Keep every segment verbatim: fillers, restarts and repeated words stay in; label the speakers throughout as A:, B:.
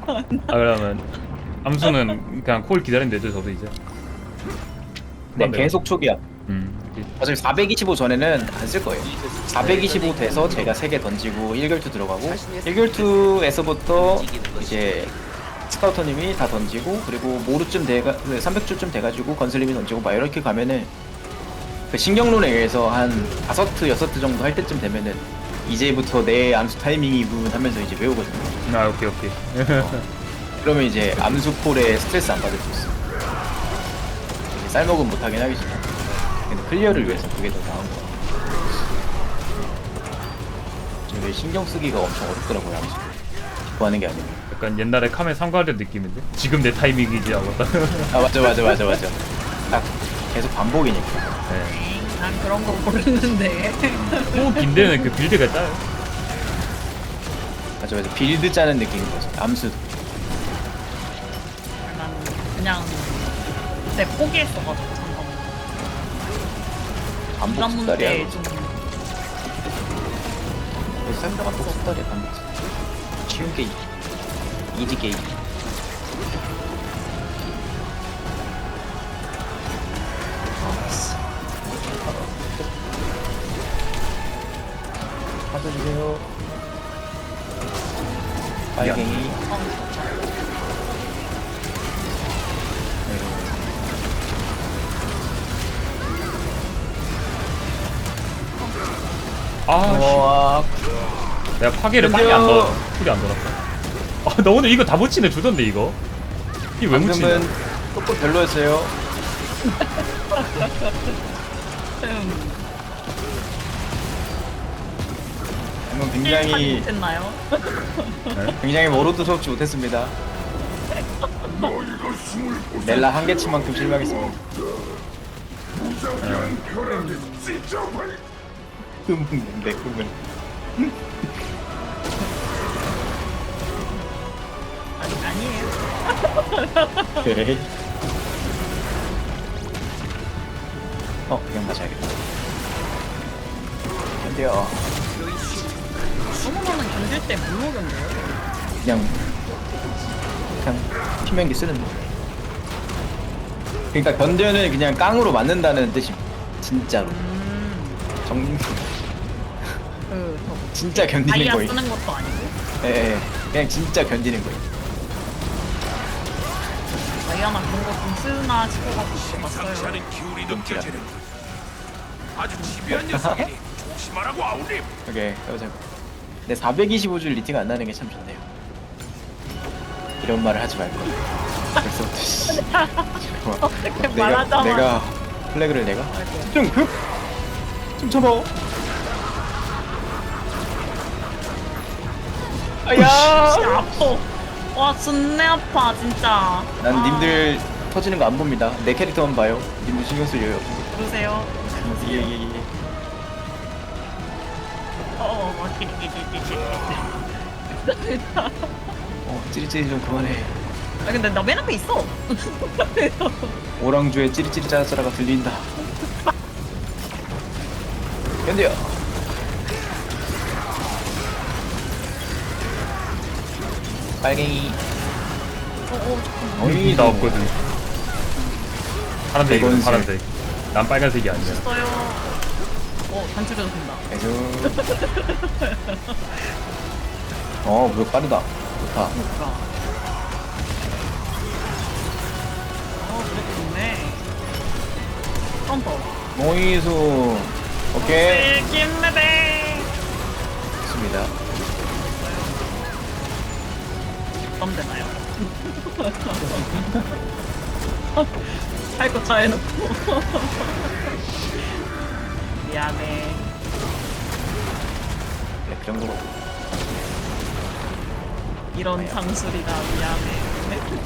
A: 아 그러면 암수는 그냥 콜 기다리면 되죠 저도 이제.
B: 네, 계속 초기화.
A: 음.
B: 어차피 사백이십오 전에는 안 쓸 거예요. 사백이십오 돼서 제가 세 개 던지고 일 결투 들어가고 일 결투에서부터 이제 스카우터님이 다 던지고 그리고 모루쯤 돼가 삼백 주쯤 돼가지고 건슬님이 던지고 막 이렇게 가면은 그 신경론에 의해서 한 다섯 트 여섯 트 정도 할 때쯤 되면은 이제부터 내 암수 타이밍이군 하면서 이제 외우거든요.
A: 아 오케이 오케이.
B: 어. 그러면 이제 암수 콜에 스트레스 안 받을 수 있어. 이제 쌀먹은 못하긴 하겠지만 근데 클리어를 위해서 그게 더 나은 거. 지금 왜 신경 쓰기가 엄청 어렵더라고요 암수. 기뻐하는 게 아니고.
A: 약간 옛날에 카메 삼과를 느낌인데 지금 내 타이밍이지 하고 딱.
B: 아 맞아 맞아 맞아 맞아. 딱 계속 반복이니까.
A: 네.
C: 난 그런 거 모르는데.
A: 호 긴데는 그 빌드가 짜요.
B: 맞아 맞아. 빌드 짜는 느낌인 거지. 암수.
C: 난 그냥 그때 포기했어가지고 잠깐.
B: 반복
C: 부담
B: 수달이야.
C: 문제 좀.
B: 삶도 반복 수달이야 반복. 쉬운 게임. 이지 게임. 받아주세요. 빨갱이.
A: 아
B: 와,
A: 씨. 내가 파괴를
B: 근데요.
A: 빨리 안 넣어. 쿨이 안 돌았다. 아나 오늘 이거 다 붙이네 주던데 이거. 이게 왜 묻히냐?
B: 방금은 조금 별로였어요.
C: 음,
B: 방금
C: 하지
B: 굉장히
C: 못했나요?
B: 굉장히 워로드 수업지 못했습니다. 넬라 한 개치만큼 실망했습니다. 흠, 내 꿈은.
C: 아니 아니에요.
B: 오케이. 어, 그냥 맞아야겠다. 근데요,
C: 소모는 견딜 때 뭘로 견뎌요?
B: 그냥 그냥 피면기 쓰는 거. 그러니까 견뎌는 그냥 깡으로 맞는다는 뜻이 진짜로.
C: 음,
B: 정
C: 그
B: 진짜 견디는
C: 다이아
B: 거예요.
C: 쓰는 것도 아니고
B: 예, 예, 그냥 진짜 견디는 거예요.
C: 다이아나 그런 거 좀 쓰나 싶어가지고 봤어요.
D: 차는 기운이
B: 끔찍하다.
D: 느껴지는 아주 집요한 녀석이니 조심하라고 아울림.
B: 오케이, 해보자. 근데 사백이십오 줄 리팅 안 나는 게 참 좋네요. 이런 말을 하지 말 걸. 벌써부터 씨. 잠깐만.
C: 어떻게
B: 내가
C: 말하자마자.
B: 내가 플래그를 내가
C: 아이고.
B: 좀 급. 좀 쳐봐. 아야.
C: 진짜 아파. 와 존내 아파 진짜.
B: 난
C: 아,
B: 님들 터지는 거 안 봅니다. 내 캐릭터만 봐요. 님들 신경 쓸 여유 없어.
C: 그러세요.
B: 예예예.
C: 어어 막 끼리끼리끼리.
B: 어 찌릿찌릿 좀 그만해.
C: 아 근데 나 맨 앞에 있어.
B: 오랑주의 찌릿찌릿 짜짜라가 들린다. 견뎌. 빨갱이.
C: 어어 잠깐만.
B: 어이
A: 나 없거든. 파란색이거든
B: 백원색.
A: 파란색. 난 빨간색이 아니야.
C: 있어요. 어 단추려도 된다.
B: 계속. 어, 무력 빠르다. 좋다.
C: 그러니까. 어 그래도 좋네. 컴퍼.
B: 모이수. 오케이.
C: 김매배.
B: 좋습니다.
C: 덤 되나요? 할 거 다 해놓고. 미안해.
B: 네, 그 정도로.
C: 이런 장술이다 미안해.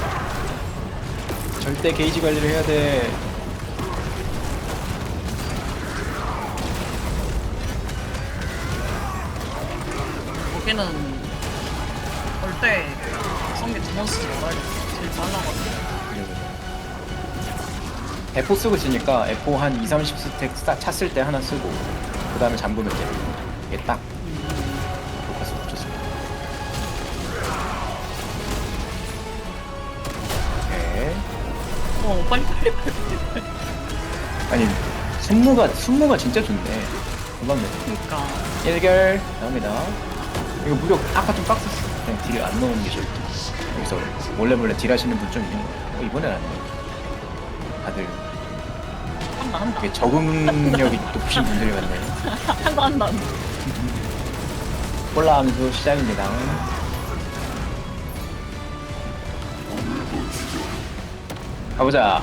B: 절대 게이지 관리를 해야 돼.
C: 여기는 절대 성게 두 번 쓰지 말아야겠어. 제일 빨라가지고.
B: 에포 쓰고 지니까 에포 한 이, 삼십 스택 싹 찼을 때 하나 쓰고 그 다음에 잠그면 돼. 이게 딱 포커스 붙였습니다.
C: 어 빨리 빨리 빨리 빨리.
B: 아니 순무가 순무가 진짜 좋네. 금방 돼.
C: 그러니까.
B: 일결 나옵니다. 이거 무력 아까 좀 빡셌어. 그냥 딜 안 넣는 게 좋다. 여기서 몰래 몰래 딜 하시는 분 좀 있는 거야. 어, 이번엔 안 돼. 다들
C: 한다 한다.
B: 이게 적응력이 높으신 분들이 많네.
C: 한다 한다.
B: 콜라 함수 시작입니다. 가보자.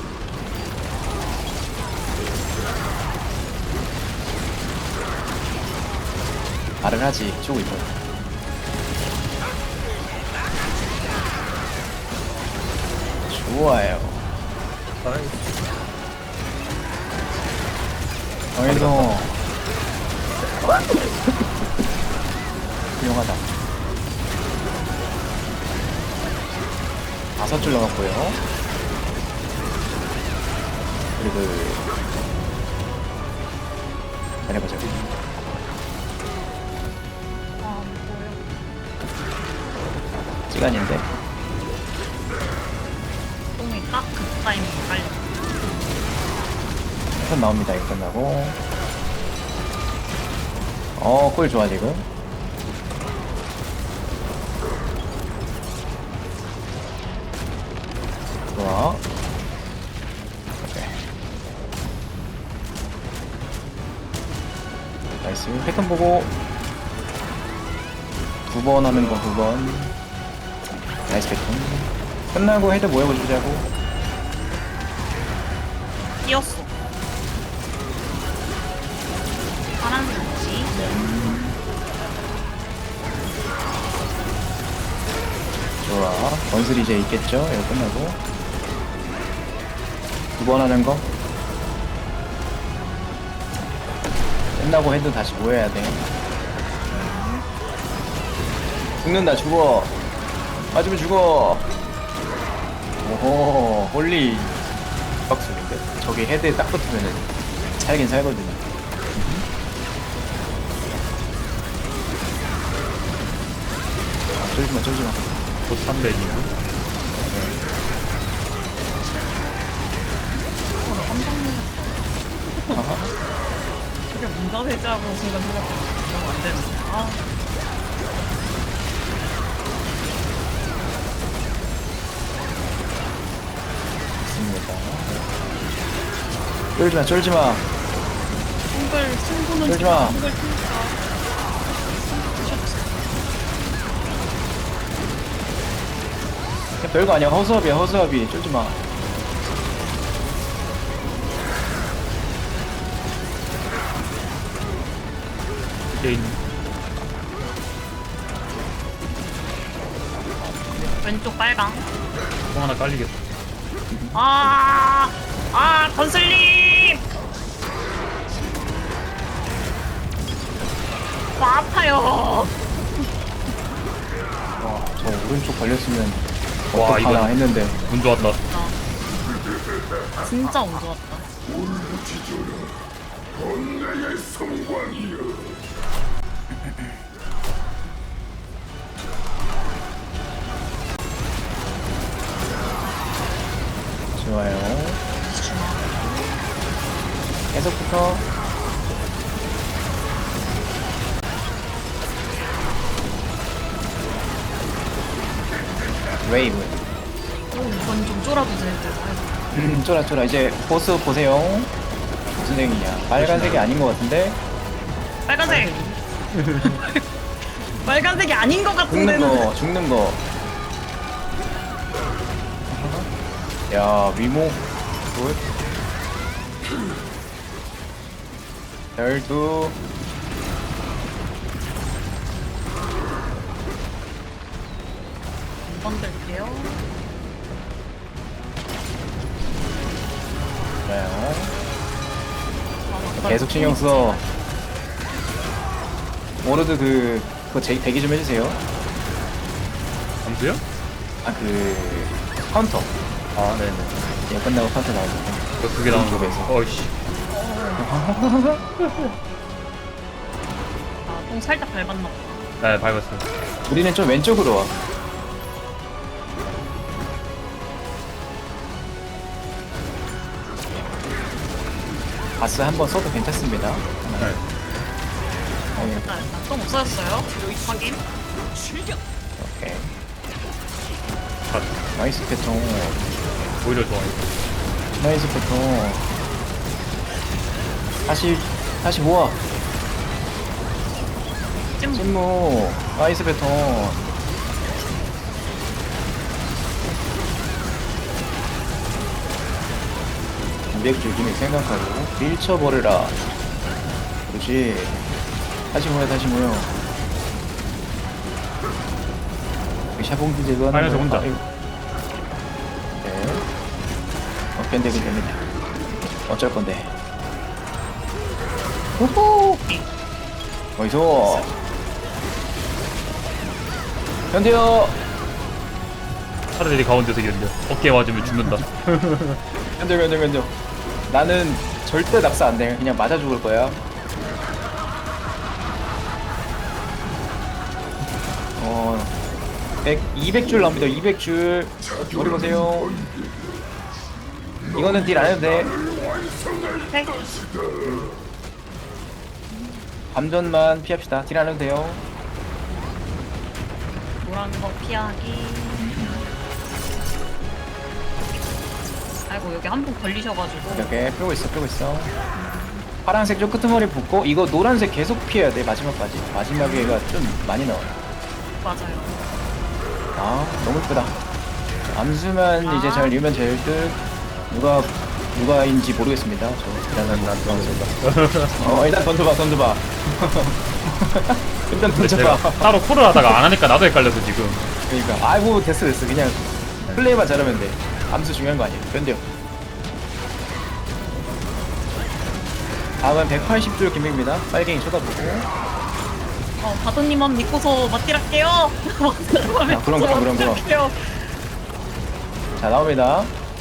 B: 말을 하지. 쪼고 있어. 좋아요. 어이도 훌륭하다. 다섯 줄 남았고요. 그리고 잘해보자.
C: 아 뭐야.
B: 시간인데
C: 똥이 딱그 타이밍에 깔려.
B: 선 나옵니다. 이거 끝나고 어골 좋아 지금. 좋아. 오케이. 나이스. 패턴 보고 두 번 하는 거 두 번. 나이스 패턴. 끝나고 헤드 모여보자고.
C: 뛰었어. 파란색지.
B: 좋아. 건슬이 이제 있겠죠? 이거 끝나고 두 번 하는 거 끝나고 헤드 다시 모여야 돼. 죽는다. 죽어. 맞으면 죽어. 오호 홀리 박수인데 저기 헤드에 딱 붙으면은 살긴 살거든요. 아, 쫄지마 쫄지마.
A: 곧 삼백이고.
C: 어, 나 깜짝 놀랐어. 저게 문자 대자고 순간 생각했어. 이러면 안 되는데. 아.
B: 있습니다. 쫄지마 쫄지마.
C: 한글 친구는
B: 쫄지 마.
C: 한글 친구가.
B: 그냥 별거 아니야. 허수아비야 허수아비. 쫄지마.
A: 게임.
C: 왼쪽 빨강.
A: 똥 하나 깔리겠다.
C: 아, 아, 건슬님! 아, 아파요.
B: 와, 저 오른쪽 걸렸으면
A: 와,
B: 어떡하나
A: 이건-
B: 했는데.
A: 운 좋았다.
C: 진짜 운 좋았다.
B: 좋아요. 계속부터 웨이브.
C: 오, 이건 좀 쫄아주세요.
B: 음, 쫄아 쫄아. 이제 보스 보세요. 무슨 색이냐? 빨간색이 아닌 것 같은데.
C: 빨간색. 빨간색이 아닌 것
B: 죽는
C: 같은데는.
B: 거, 죽는 거. 야, 위모. 굿. 열두.
C: 한번 들게요.
B: 좋아요.
C: 아,
B: 계속 신경 써. 워로드 그, 그거 제, 대기 좀 해주세요.
A: 감수요?
B: 아, 그, 카운터.
A: 아, 네네.
B: 예, 끝나고 카운터 나오거든요.
A: 그 두 개 나오는 거
B: 쪽에서.
A: 어이씨.
C: 아, 똥 살짝 밟았나 봐.
A: 네, 밟았어요.
B: 우리는 좀 왼쪽으로 와. 바스 한번 써도 괜찮습니다.
A: 네.
B: 어,
C: 일단 똥 없어졌어요. 확인.
B: 오케이.
A: 아,
B: 나이스 패턴.
A: 오히려 좋아요.
B: 나이스 패턴. 다시 다시 모아.
C: 찜.
B: 찐무. 나이스 패턴. 이백 줄 기믹 생각하고 밀쳐버려라. 그렇지. 다시 모여 다시 모여. 샤봉기 제거하는
A: 아니야, 저
B: 거야.
A: 혼자.
B: 아이고. 네. 어, 견뎌도 됩니다. 어쩔 건데. 호호! 어이소! 견뎌!
A: 차라리 가운데서 견뎌. 어깨 맞으면 죽는다.
B: 견뎌, 견뎌, 견뎌. 나는 절대 낙사 안 돼. 그냥 맞아 죽을 거야. 어, 백, 이백 줄 나옵니다. 이백 줄. 머리 보세요. 이거는 딜 안 해도 돼.
C: 네.
B: 감전만 피합시다. 딜 안 해도 돼요.
C: 노란 거 피하기. 아이고 여기 한 분 걸리셔가지고.
B: 이렇게 펴고 있어, 펴고 있어. 파란색 좀 끄트머리 붙고, 이거 노란색 계속 피해야 돼, 마지막까지. 마지막에가 좀 많이 나와요.
C: 맞아요.
B: 아, 너무 이쁘다. 암수만
C: 아.
B: 이제 잘 읽으면 될 듯. 누가, 누가인지 모르겠습니다. 저, 일단, 난 던져봐. 어, 일단 던져봐, 던져봐. 일단
A: 근데 제가
B: 던져봐.
A: 따로 콜을 하다가 안 하니까 나도 헷갈려서 지금.
B: 그러니까. 아이고, 됐어, 됐어. 그냥 플레이만 잘하면 돼. 암수 중요한 거 아니에요. 견뎌. 다음은 백팔십 줄 김입니다. 빨갱이 쳐다보고.
C: 어 바도님만 믿고서 맞딜할게요.
B: 아, 그럼, 그럼, 그럼, 그럼.
C: 맞딜할게요.
B: 자, 나옵니다.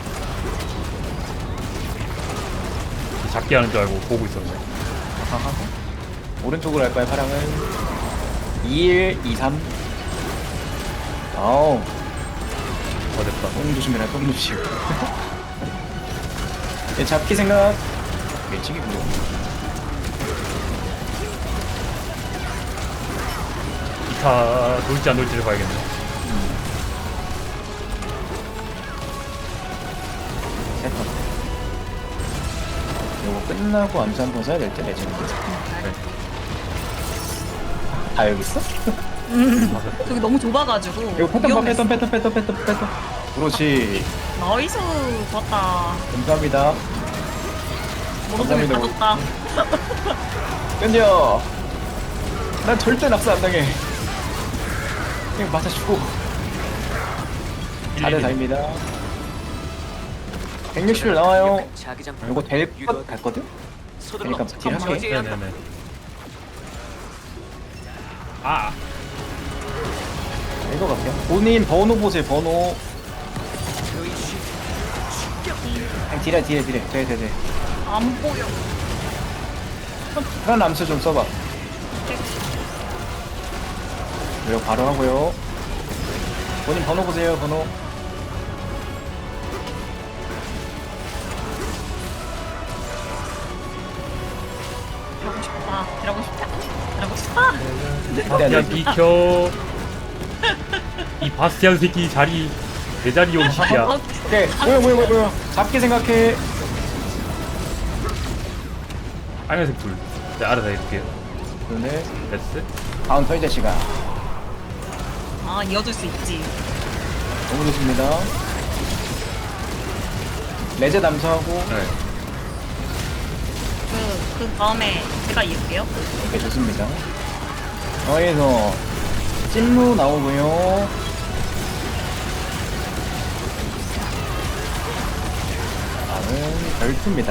A: 작게 하는 줄 알고 보고 있었네.
B: 아하하. 오른쪽으로 할까요, 파랑은? 이일, 이삼. 아우,
A: 어, 됐다.
B: 똥 조심해라, 똥 조심. 얘 잡기 생각. 예측이구요.
A: 기타 놀지 안 놀지를 봐야겠네.
B: 세컨. 요거 끝나고 암수 한번 써야 될 때, 레전드.
A: 네.
B: 다 여기 있어?
C: 저기 너무 좁아가지고.
B: 이거 패턴 봐,
C: 위험했어.
B: 패턴, 패턴, 패턴, 패턴, 패턴. 그렇지.
C: 나이스 좋았다.
B: 감사합니다.
C: 모노tom이
B: 감사합니다.
C: 가졌다.
B: 견뎌. 난 절대 낙사 안 당해. 그냥 맞아 죽고. 사 대 사입니다. 백육십 줄 나와요. 이거 될 것 같거든? 그러니까 딜 할게.
A: 네네네. 아,
B: 이거 갈게요. 본인 번호 보세요, 번호. 그냥 딜해, 딜해, 딜해. 돼, 돼, 돼.
C: 안 보여.
B: 그런 암수 좀 써봐. 이거 바로 하고요. 본인 번호 보세요, 번호.
C: 이러고 싶다. 이러고 싶다. 이러고 싶다.
B: 네,
A: 야
B: 네.
A: 비켜. 이 바스티안 새끼 자리 내 자리 온 시키야.
B: 오케이. 뭐야, 뭐야, 뭐야, 뭐야. 잡기 생각해.
A: 빨간색 불. 네, 알아서 해줄게요.
B: 오늘
A: 됐어?
B: 카운터 이제 시간.
C: 아 이어줄 수 있지.
B: 너무 좋습니다. 레제 남수하고.
A: 네.
C: 그, 그 다음에 제가 이을게요.
B: 오케이, 좋습니다. 여기서 찐무 나오고요. 다음은 별투입니다.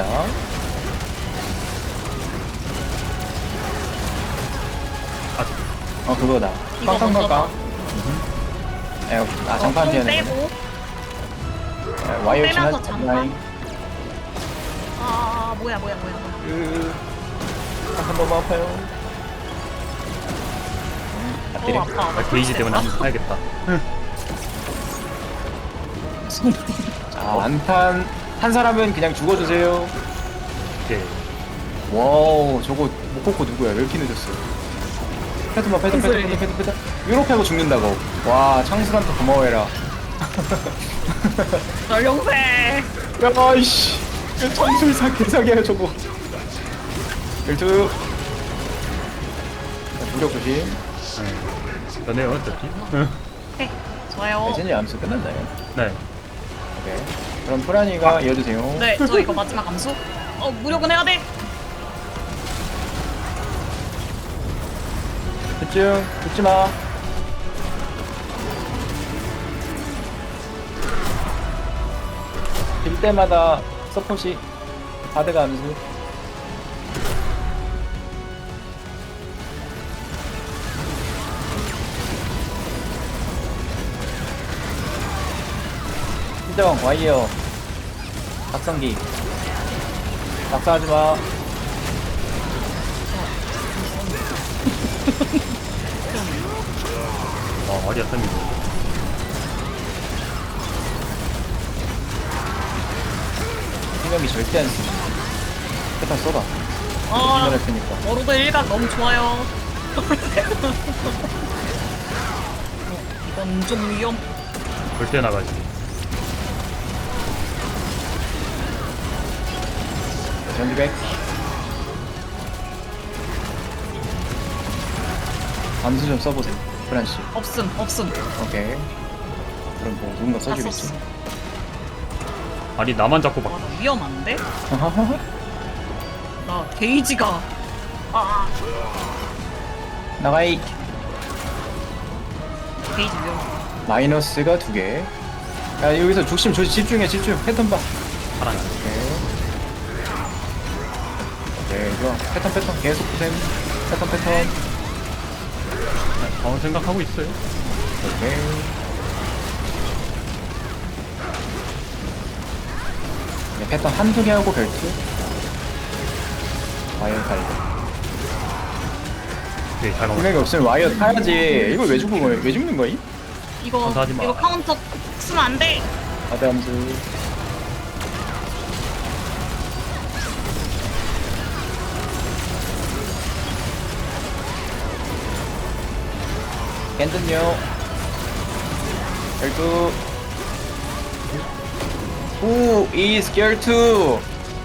A: 아,
B: 어, 그거다.
C: 이거
B: 깡깡깡깡.
C: 먼저다.
B: 에, 아, 장판
C: 어, 똥
B: 피하네.
C: 빼고.
B: 에, 와이어
C: 빼면서
B: 지나
C: 장판. 아 뭐야 뭐야 뭐야 뭐야.
B: 그, 장판 너무 아파요. 음,
C: 어
B: 앞뒤래.
C: 아파.
A: 아, 게이지 때문에 안 해야겠다.
B: 자, 완탄. 한 사람은 그냥 죽어주세요.
A: 오케이.
B: 와우 저거 모코코 누구야? 왜 이렇게 늦었어? 패드만 패드 패드 패드 패드 패드 이렇게 하고 죽는다고. 와 창수한테 고마워해라.
C: 전룡새.
B: 야이씨 창술사 개사기야 저거. 일투 무력 조심.
A: 전에요 어차피.
C: 네, 좋아요.
B: 레전이 암수 끝났나요?
A: 네.
B: 오케이. 그럼 프라니가 이어주세요.
C: 네, 저 이거 마지막 암수. 어, 무력은 해야 돼.
B: 집중 죽지마. 빌 때마다 서폿이 바드가 암수. 희정 와이어 박성기 낙사하지마.
A: 와 말이 안 됩니다.
B: 희명이 절대 안 쓰지. 패턴 쏘다.
C: 아,
B: 희명을 쓰니까.
C: 워로드 일각 너무 좋아요. 어, 이건 좀 위험.
A: 절대 나가지.
B: 전기백. 암수 좀 써보세요, 프란씨.
C: 없음, 없음.
B: 오케이. 그럼 뭐 누군가
C: 다
B: 써주겠지.
C: 썼어.
A: 아니 나만 잡고
C: 와,
A: 막.
C: 나 위험한데? 나 게이지가. 아,
B: 나가이.
C: 게이지 위험.
B: 마이너스가 두 개. 야 여기서 중심 조 집중해 집중. 패턴 봐.
A: 사랑해.
B: 오케이. 오케이 좋아. 패턴 패턴 계속 보셈. 패턴 패턴.
A: 어 생각하고 있어요.
B: 오케이. 네, 패턴 한두 개 하고 별투. 와이어 탈고
A: 오케이 잘 먹었어.
B: 분명히 없으면 와이어 타야지. 이걸 왜 죽은 거야? 왜 죽는 거임?
C: 이거,
A: 감사하지 마.
C: 이거 카운터 쓰면 안 돼.
B: 바드 함수. 캔든요. 열두. Who is scared to?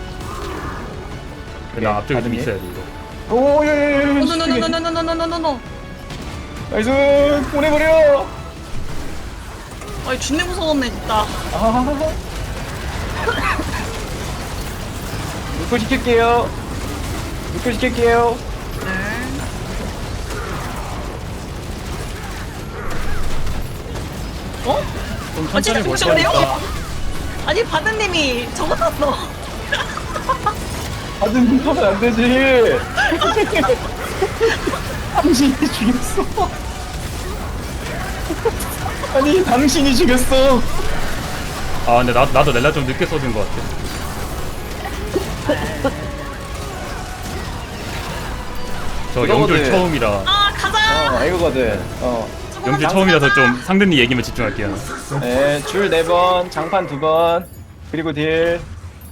A: 나 앞쪽에 좀
B: 받은 게?
A: 있어야 돼 이거.
B: 오, 예, 예, 예.
C: 노노노노노노노노노노노.
B: 나이스! 보내버려!
C: 아이, 준내 무서웠네, 진짜.
B: 아. 묶고 시킬게요. 묶고 시킬게요.
C: 네. 어?
A: 좀
C: 아, 진짜
A: 천천히 볼
C: 잠시만요.
A: 테니까.
C: 아니, 바드님이 저거 샀어.
B: 받은 하면 안 되지. 당신이 죽였어. 아니, 당신이 죽였어.
A: 아 근데 나 나도 렐라 좀 늦게 써준 것 같아. 저
B: 이거거든.
A: 영줄 처음이라.
C: 아, 가자!
B: 어, 이거거든. 어.
A: 영줄 처음이라서 좀 상대님 얘기만 집중할게요.
B: 네, 줄 네 번, 장판 두 번, 그리고 딜.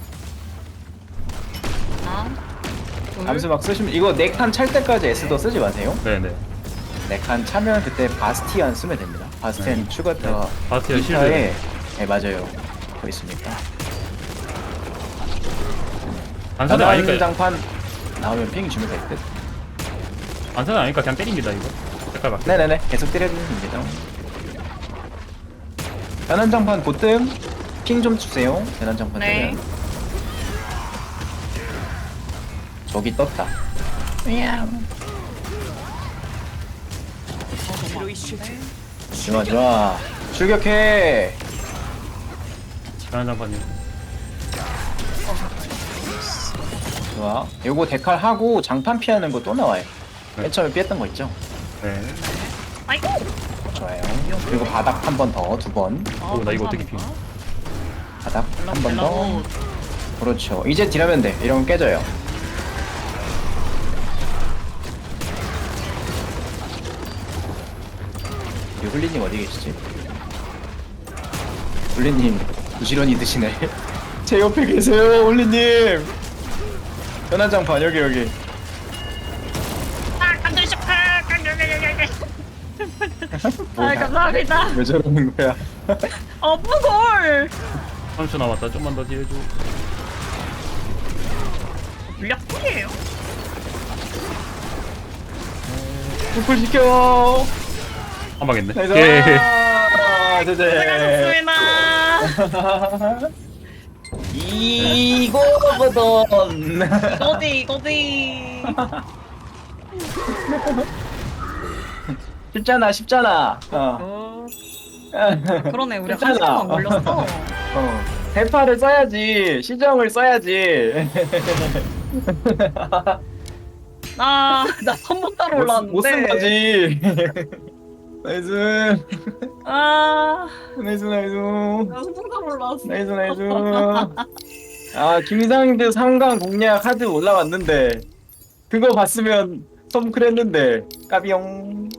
C: 하나, 둘.
B: 암수 막 쓰시면 이거 네 칸 찰 때까지 S도 쓰지 마세요.
A: 네네.
B: 네 칸 차면 그때 바스티안 쓰면 됩니다. 바스티안
A: 네.
B: 추가타
A: 바스티안
B: 기타에 네 맞아요. 거 있으니까.
A: 안사는
B: 나는
A: 아니까.
B: 장판 나오면 핑 주면 될 듯.
A: 안사는 아니까 그냥 때립니다 이거. 색깔 맞게.
B: 네네네 계속 때려주면 됩니다. 변환장판 보뜸 핑 좀 주세요. 변환장판
C: 네.
B: 뜨면 저기 떴다. 좋아 좋아 출격해.
A: 편한 장판님.
B: 좋아. 요거 데칼 하고 장판 피하는 거 또 나와요.
A: 네.
B: 맨 처음에 피했던 거 있죠?
A: 네.
C: 아이고!
B: 좋아요. 그리고 바닥 한 번 더, 두 번.
C: 아,
A: 오, 나 이거 어떻게 피?
C: 감사합니다.
B: 바닥 한 번 더.
C: 멜라고.
B: 그렇죠. 이제 딜하면 돼. 이러면 깨져요. 이 훌리님 어디 계시지? 훌리님 부지런히 드시네. 제 옆에 계세요, 훌리님. 현안장판 여기 여기.
C: 아 감사합니다.
B: 왜 저러는 거야?
C: 어 무골.
A: 삼 초 남았다. 좀만 더 뒤에 줘.
C: 물약풀이에요.
B: 풀 시켜.
A: 한 방했네.
B: 나이스.
A: 오케이.
B: 아, 제제.
C: 수고하셨습니다.
B: 이거거든.
C: 이거지 이거지.
B: 쉽잖아, 쉽잖아. 어.
C: 어,
B: 어.
C: 그러네 우리 한
B: 괜찮아.
C: 시간만 걸렸어.
B: 대파를 써야지. 시정을 써야지.
C: 아나 선봉 따로 올라왔는데.
B: 못 쓴 거지. 나이스.
C: 아,
B: 나이스, 나이스.
C: 나 선봉 따로 올라왔어.
B: 나이스, 나이스. 아, 김상대 삼강 공략 하드 올라왔는데, 그거 봤으면 썸클 했는데, 까비용.